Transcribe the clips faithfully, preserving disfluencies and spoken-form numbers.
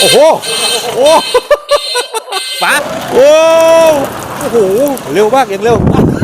โอ้โหโอ้ป๋าโอ้โอ้โหเร็วมากเองเร็ว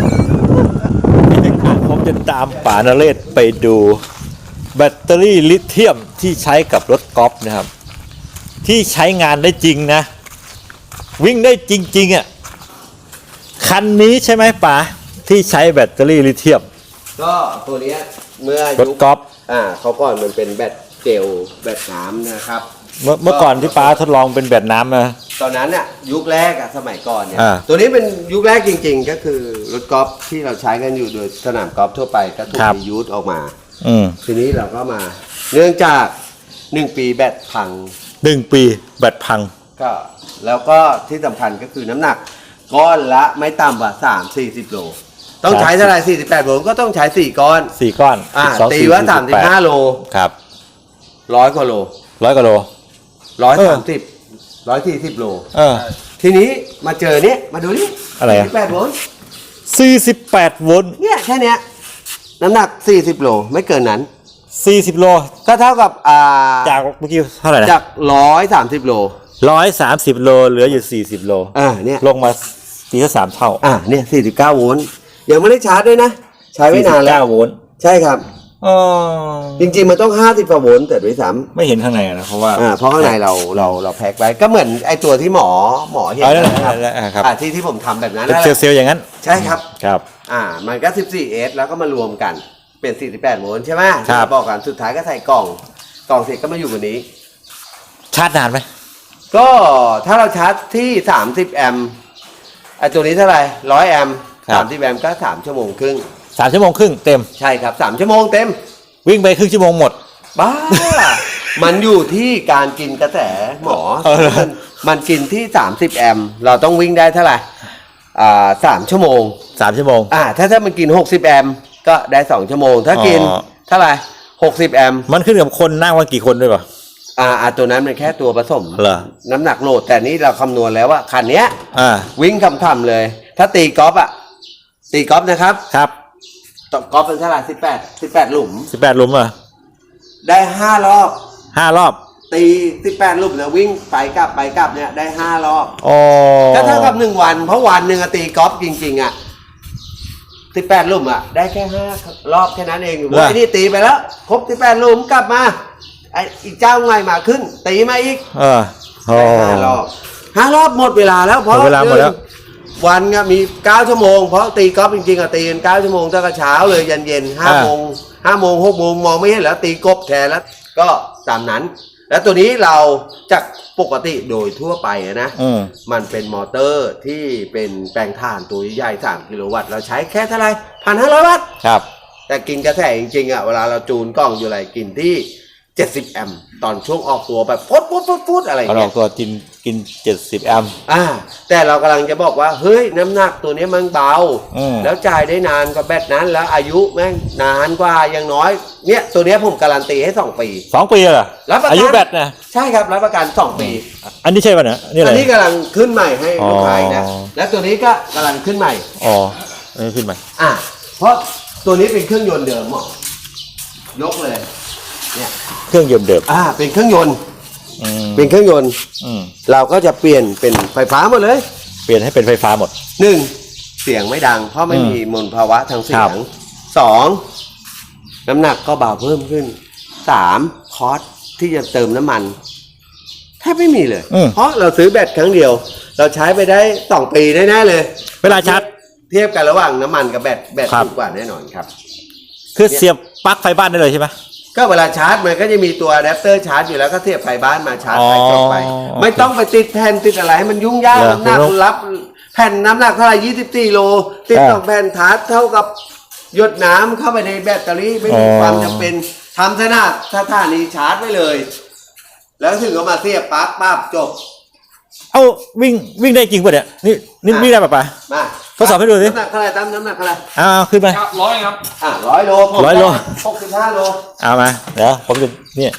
ผมจะตามป๋านเรศไปดูแบตเตอรี่ลิเธียมที่ใช้กับรถกอล์ฟนะครับที่ใช้งานได้จริงนะวิ่งได้จริงๆอ่ะคันนี้ใช่ไหมป๋าที่ใช้แบตเตอรี่ลิเธียมก็ตัวนี้เมื่อรถกอล์ฟอ่าเขาก่อนมันเป็นแบตเจลแบตน้ำนะครับเมื่อเมื่อก่อนที่ป๋าทดลองเป็นแบตน้ำนะตอนนั้นอ่ะยุคแรกอ่ะสมัยก่อนเนี่ยตัวนี้เป็นยุคแรกจริงๆก็คือรถกอล์ฟที่เราใช้กันอยู่โดยสนามกอล์ฟทั่วไปก็ถูกรียูสออกมาทีนี้เราก็มาเนื่องจากหนึ่งปีแบตพังหนึ่งปีแบตพังก็แล้วก็ที่สำคัญก็คือน้ำหนักก้อนละไม่ต่ำกว่าสามสี่สิบโลต้องใช้เท่าไหร่สี่สิบแปดโลก็ต้องใช้สี่ก้อนสี่ก้อนอ่าตีว่าสามสิบห้าโลครับร้อยกว่าโลร้อยกว่าโลร้อยสามสิบร้อยสี่สิบโลเออทีนี้มาเจอเนี้ยมาดูนี่อะไรอ่ะสี่สิบแปดโวลต์สี่สิบแปดโวลต์เนี่ยแค่เนี้ยน้ำหนักสี่สิบโลไม่เกินนั้นสี่สิบโลก็เท่ากับอ่าจากเมื่อกี้เท่าไหร่นะจากร้อยสามสิบโลร้อยสามสิบโลเหลืออยู่สี่สิบโลอ่าเนี่ยลงมาตีละสามเท่าอ่าเนี่ยสี่สิบเก้าโวลต์ยังไม่ได้ชาร์จด้วยนะใช้ไม่นานแล้วสี่สิบเก้าโวลต์ใช่ครับอ๋อจริงๆมันต้องห้าสิบกว่าโวลต์แต่ด้วยซ้ำไม่เห็นข้างในนะเพราะว่าอ่าเพราะข้างในเราเราเราแพ็คไว้ก็เหมือนไอตัวที่หมอหมอเห็นนะครับอ่าที่ที่ผมทำแบบนั้นเป็นเซลล์อย่างนั้นใช่ครับครับอ่ามันก็สิบสี่เอสแล้วก็มารวมกันเป็นสี่สิบแปดโวลต์ใช่ไหมครับบอกกันสุดท้ายก็ใส่กล่องกล่องเสร็จก็มาอยู่บนนี้ชาร์จนานไหมก็ถ้าเราชาร์จที่สามสิบแอมป์ไอตัวนี้เท่าไหร่ร้อยแอมป์สามสิบแอมป์ก็สามชั่วโมงครึ่งสามชั่วโมงครึ่งเต็มใช่ครับสามชั่วโมงเต็มวิ่งไปครึ่งชั่วโมงหมดบ้า มันอยู่ที่การกินกระแสหมอมันมันกินที่สามสิบแอมป์เราต้องวิ่งได้เท่าไหร่อ่าสามชั่วโมงสามชั่วโมงอ่าถ้าถ้ามันกินหกสิบแอมป์ก็ได้สองชั่วโมงถ้ากินเท่าไหร่หกสิบแอมป์มันขึ้นกับคนนั่งว่ากี่คนด้วยป่ะอ่าตัวนั้นมันแค่ตัวผสมเหรอน้ำหนักโหลดแต่นี้เราคำนวณแล้วว่าคันเนี้ยอ่าวิ่งคำๆเลยถ้าตีกอล์ฟอ่ะตีกอล์ฟนะครับครับตกกอล์ฟเป็นเท่าไหร่สิบแปดสิบแปดหลุมสิบแปดหลุมอ่ะได้ห้ารอบห้ารอบตีสิบแปดหลุมเนี่ยวิ่งไปกลับไปกลับเนี่ยได้ห้ารอบอ๋อก็เท่ากับหนึ่งวันเพราะวันหนึ่งตีกอล์ฟจริงๆอ่ะสิบแปดหลุมอ่ะได้แค่ห้ารอบแค่นั้นเองไอ้นี่ตีไปแล้วครบสิบแปดหลุมกลับมาไอ้อีกเจ้าใหม่มาขึ้นตีมาอีกเออห้ารอบห้ารอบหมดเวลาแล้วเพราะเวลาหมดแล้ววันก็มีเก้าชั่วโมงเพราะตีกอล์ฟจริงๆอ่ะตีกันเก้าชั่วโมงตั้งแต่เช้าเลยยันเย็นห้าโมงห้าโมงหกโมงมองไม่เห็นแล้วตีกบแทนแล้วก็ตามนั้นแล้วตัวนี้เราจากปกติโดยทั่วไปนะมันเป็นมอเตอร์ที่เป็นแปลงถ่านตัวใหญ่สามกิโลวัตต์เราใช้แค่เท่าไรพันห้าร้อยวัตต์ครับแต่กินกระแสจริงๆอ่ะเวลาเราจูนกล้องอยู่ไรกินที่เจ็ดสิบแอมป์ตอนช่วงออกตัวแบบฟุดฟุดฟุดฟุดอะไรอย่างเงี้ยออกตัวกินกินเจ็ดสิบแอมป์อ่าแต่เรากำลังจะบอกว่าเฮ้ยน้ำหนักตัวนี้มันเบาแล้วจ่ายได้นานกว่าแบตนั้นแล้วอายุแม่งนานกว่าอย่างน้อยเนี่ยตัวนี้ผมการันตีให้สองปีสองปีเหรออายุแบตนะใช่ครับรับประกันสองปีอันนี้ใช่ป่ะเนี่ยนี่อะไรอันนี้กำลังขึ้นใหม่ให้ลูกค้านะและตัวนี้ก็กำลังขึ้นใหม่อ๋ออันนี้ขึ้นใหม่อ่าเพราะตัวนี้เป็นเครื่องยนต์เดิมหมอยกเลยเนี่ยเครื่องยนต์เดิมอ่าเป็นเครื่องยนต์เป็นเครื่องยนต์เราก็จะเปลี่ยนเป็นไฟฟ้าหมดเลยเปลี่ยนให้เป็นไฟฟ้าหมดหนึ่งเสียงไม่ดังเพราะไม่มีมลภาวะทางเสียงสองน้ำหนักก็เบาเพิ่มขึ้นสามคอสที่จะเติมน้ำมันแทบไม่มีเลยเพราะเราซื้อแบตครั้งเดียวเราใช้ไปได้สองปีแน่ๆเลยเวลาชาร์จเทียบกันระหว่างน้ำมันกับแบตแบตถูกกว่าแน่นอนครับคือเสียบปลั๊กไฟบ้านได้เลยใช่ไหมก็เวลาชาร์จมันก็จะมีตัวอะแดปเตอร์ชาร์จอยู่แล้วก็เสียบไฟบ้านมาชาร์จไปจบไปไม่ต้องไปติดแผ่นติดอะไรให้มันยุ่งยากน้ำหนักรับแผ่นน้ำหนักเท่าไหร่ยี่สิบสี่โลติดสองแผ่นชาร์จเท่ากับหยดน้ำเข้าไปในแบตเตอรี่ไม่มีความจำเป็นทำซะหน้าถ้าท่านี้ชาร์จไว้เลยแล้วถึงเอามาเสียบปลั๊กปั๊บจบเอาวิ่งวิ่งได้จริงป่ะเนี่ยนี่นี่วิ่งได้ป่ะป่ะมาทดสอบให้ดูสิน้ำหนักเท่าไหร่ตั้มน้ำหนักเท่าไหร่อ้าวขึ้นไปร้อยครับอ่าร้อยโลร้อยโลหกสิบห้าโลเอามาเดี๋ยวผมจะเนี่ย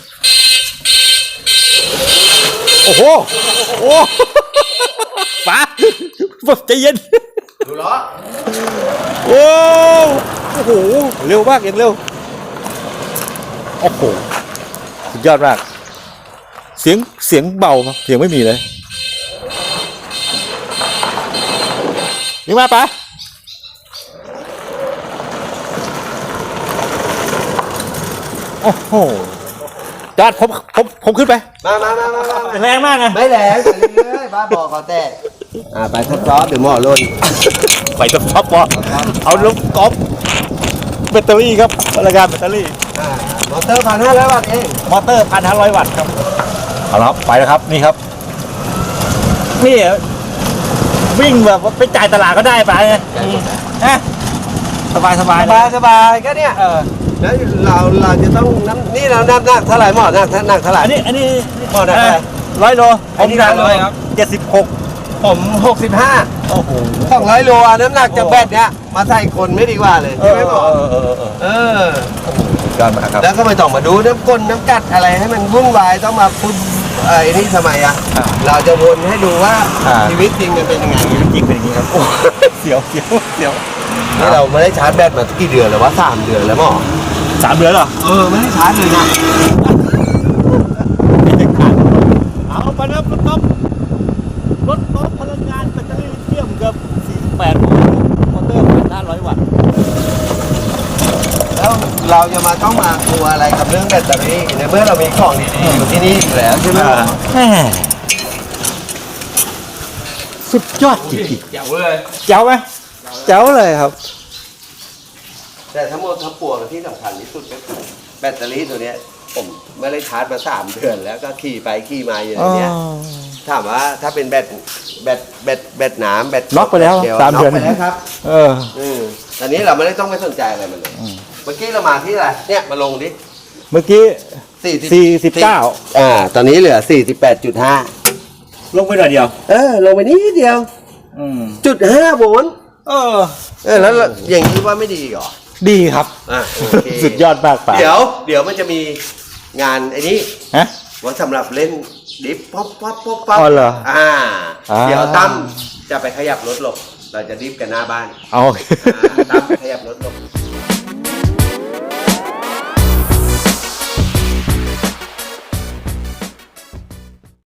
โอ้โหโอ้ป๋าแบบใจเย็นดูล้อโอ้โอ้โหเร็วมากเองเร็วโอ้โหสุดยอดมากเสียงเสียงเบาครับเสียงไม่มีเลยยิงมาปะโอ้โหจอดผมผมผมขึ้นไปมามามามามาแรงมากไงไม่แหลงไปเรื่อยๆบ้าบอกเขาแต่อ่าไปทดสอบเดี๋ยวหมอลนไปตับท็อปบอเอาลูกกอล์ฟแบตเตอรี่ครับพลังงานแบตเตอรี่อ่ามอเตอร์พันห้าร้อยวัตต์เองมอเตอร์พันห้าร้อยวัตต์ครับเอาละครับไปแล้วครับนี่ครับนี่วิ่งแบบว่าไปจ่ายตลาดก็ได้ไปไงฮะสบายสบายสบายสบายก็เนี่ยเออแล้วเราเราจะต้องน้ำนี่เราน้ำหนักเท่าไหร่หมอหนักหนักเท่าไหร่อันนี้อันนี้หมอหนักเท่าไหร่ร้อยโลอันนี้หนักร้อยครับเจ็ดสิบหกผมหกสิบห้าโอ้โหสองร้อยโลอ่ะน้ำหนักจากแบตเนี้ยมาใส่คนไม่ดีกว่าเลยเอใช่อไหมหมอเออเออเออเออยอดมากครับแล้วก็ไม่ต้องมาดูน้ำก้นน้ำกัดอะไรให้มันวุ่นวายต้องมาพูดเอ้ยนี่ทำไมอ่ะอ่าเราจะวนให้ดูว่าอ่าชีวิตจริงมันเป็นยังไงจริงเป็นอย่างนี้ครับโอ้เสียวเสียวเสียวนี่เราไม่ได้ชาร์จแบตมากี่เดือนแล้ววะสามเดือนแล้วหมอสามเดือนเหรอเออไม่ได้ชาร์จเลยนะไม่ได้ขาดเอาไปแล้วรถก๊อฟรถก๊อฟพลังงานแบตเตอรี่ลิเธียมกับสี่สิบแปดโวลต์มอเตอร์พันห้าร้อยวัตต์แล้วเราจะมาต้องมากลัวอะไรกับเรื่องแบตเตอรี่ในเมื่อเรามีของดีๆอยู่ที่นี่อยู่แล้วใช่ไหมหมอแม่สุดยอดจริงเจ๋วเลยๆเจ๋วไหมเจ๋วเลยครับแต่ทั้งหมดทั้งปวงที่สำคัญที่สุดก็คือแบตเตอรี่ตัวเนี้ยผมไม่ได้ชาร์จมาสามเดือนแล้วก็ขี่ไปขี่มาอยู่อย่างเนี้ยถามว่าถ้าเป็นแบตแบตแบตแบตหนามแบตน็อกไปแล้วยวสามเดือนน็อกไปแล้วครับเอออืมตอนนี้เราไม่ได้ต้องไปสนใจอะไรมันเลยอืมเมื่อกี้เรามาที่อะไรเนี่ยมาลงดิเมื่อกี้สี่สี่สิบเก้าอ่าตอนนี้เหลือสี่สิบแปดจุดห้าลงไปหน่อยเดียวเออลงไปนิดเดียวอืมจุดห้าโวลต์เออเออแล้วอย่างนี้ว่าไม่ดีเหรอดีครับอ่ะโอเคสุดยอดมากป่ะเดี๋ยวเดี๋ยวมันจะมีงานไอ้นี้ฮะว่าสำหรับเล่นดิฟป๊อปป๊อปป๊อปป๊อปอ๋อเหรออ่าอ่าเดี๋ยวตั้มจะไปขยับรถหลบ เราจะดิฟกันหน้าบ้านเอาอ่าตั้มขยับรถหลบ